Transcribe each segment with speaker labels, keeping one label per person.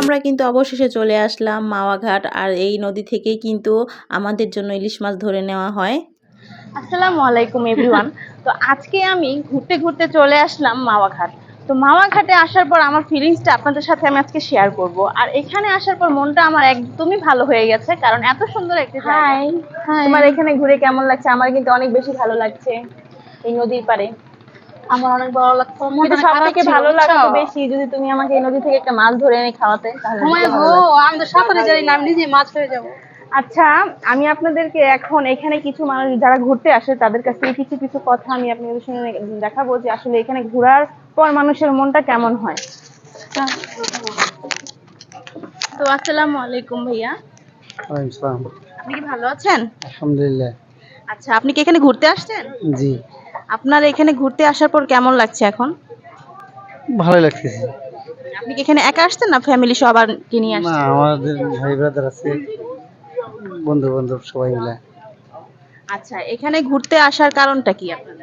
Speaker 1: আমরা কিন্তু অবশেষে চলে আসলাম মাওয়া ঘাট, আর এই নদী থেকেই কিন্তু আমাদের জন্য ইলিশ মাছ ধরে নেওয়া হয়।
Speaker 2: আসসালামু আলাইকুম এভরিওয়ান। তো আজকে আমি ঘুরতে ঘুরতে চলে আসলাম মাওয়া ঘাট। তো মাওয়া ঘাটে আসার পর আমার ফিলিংসটা আপনাদের সাথে আমি আজকে শেয়ার করব। আর এখানে আসার পর মনটা আমার একদমই ভালো হয়ে গেছে, কারণ এত সুন্দর একটা জায়গা। তোমার এখানে ঘুরে কেমন লাগছে? আমার কিন্তু অনেক বেশি ভালো লাগছে এই নদীর পাড়ে।
Speaker 3: আমার অনেক ভালো লাগতো,
Speaker 2: কিন্তু
Speaker 3: মনটা
Speaker 2: সব
Speaker 3: খারাপ
Speaker 2: থেকে
Speaker 3: ছিল,
Speaker 2: ভালো
Speaker 3: বুঝছো?
Speaker 2: লাগতো বেশি যদি তুমি আমাকে এই নদী থেকে একটা মাছ ধরে এনে খাওয়াতে, তাহলে
Speaker 3: ঘুমায়
Speaker 2: বেশি
Speaker 3: গো,
Speaker 2: ভালো লাগতো।
Speaker 3: আমি তো সাঁতারে জানি না, আমি নিজে মাছ হয়ে যাবো।
Speaker 2: আচ্ছা, আমি আপনাদেরকে এখন এখানে কিছু মানুষ যারা ঘুরতে আসে তাদের কাছ থেকে কিছু কিছু কথা আমি আপনাদের সঙ্গে দেখাবো, যে আসলে এখানে ঘোরার পর মানুষের মনটা কেমন হয়। তো আসসালামু আলাইকুম ভাইয়া,
Speaker 4: ওয়ালাইকুম আসসালাম।
Speaker 2: আপনি কি ভালো আছেন?
Speaker 4: আলহামদুলিল্লাহ।
Speaker 2: আচ্ছা, আপনি কি এখানে ঘুরতে আসছেন?
Speaker 4: জি,
Speaker 2: আপনার এখানে ঘুরতে আসার পর কেমন লাগছে এখন?
Speaker 4: ভালোই লাগতেছে।
Speaker 2: আপনি কি এখানে একা আসছেন না ফ্যামিলি সবার কি নিয়ে
Speaker 4: না,
Speaker 2: আসছেন?
Speaker 4: আমাদের ভাই ব্রাদার আছে, বন্ধু বান্ধব সবাই মিলে।
Speaker 2: আচ্ছা, এখানে ঘুরতে আসার কারণটা কি আপনাদের?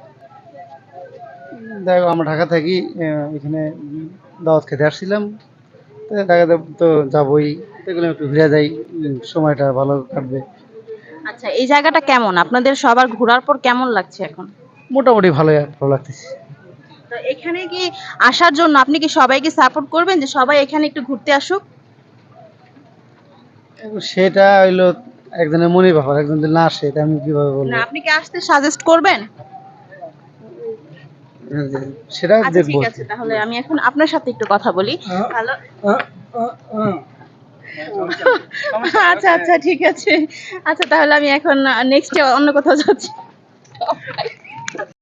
Speaker 4: দেখো, আমরা ঢাকা থাকি, এখানে দাওয়াত খেতে আসছিলাম, তো ঢাকাতে তো যাবোই, এগুলো একটু ঘুরে যাই, সময়টা ভালো কাটবে।
Speaker 2: আচ্ছা, এই জায়গাটা কেমন? আপনাদের সবার ঘোরার পর কেমন লাগছে এখন?
Speaker 4: মোটামুটি ভালোই, ভালো লাগতেছে।
Speaker 2: তো এখানে কি আসার জন্য আপনি কি সবাইকে সাপোর্ট করবেন যে সবাই এখানে একটু ঘুরতে আসুক?
Speaker 4: এবং সেটা হইলো একজনের মনের ব্যাপার, একজন যদি না আসে, এটা আমি কিভাবে
Speaker 2: না,
Speaker 4: বলবো?
Speaker 2: আপনি কি আসতে সাজেস্ট করবেন?
Speaker 4: সেটা
Speaker 2: আচ্ছা,
Speaker 4: দেখবো।
Speaker 2: ঠিক আছে, তাহলে আমি এখন আপনার সাথে একটু কথা বলি। হ্যালো। আচ্ছা আচ্ছা, ঠিক আছে। আচ্ছা, তাহলে আমি এখন নেক্সট অন্য কোথাও যাচ্ছি।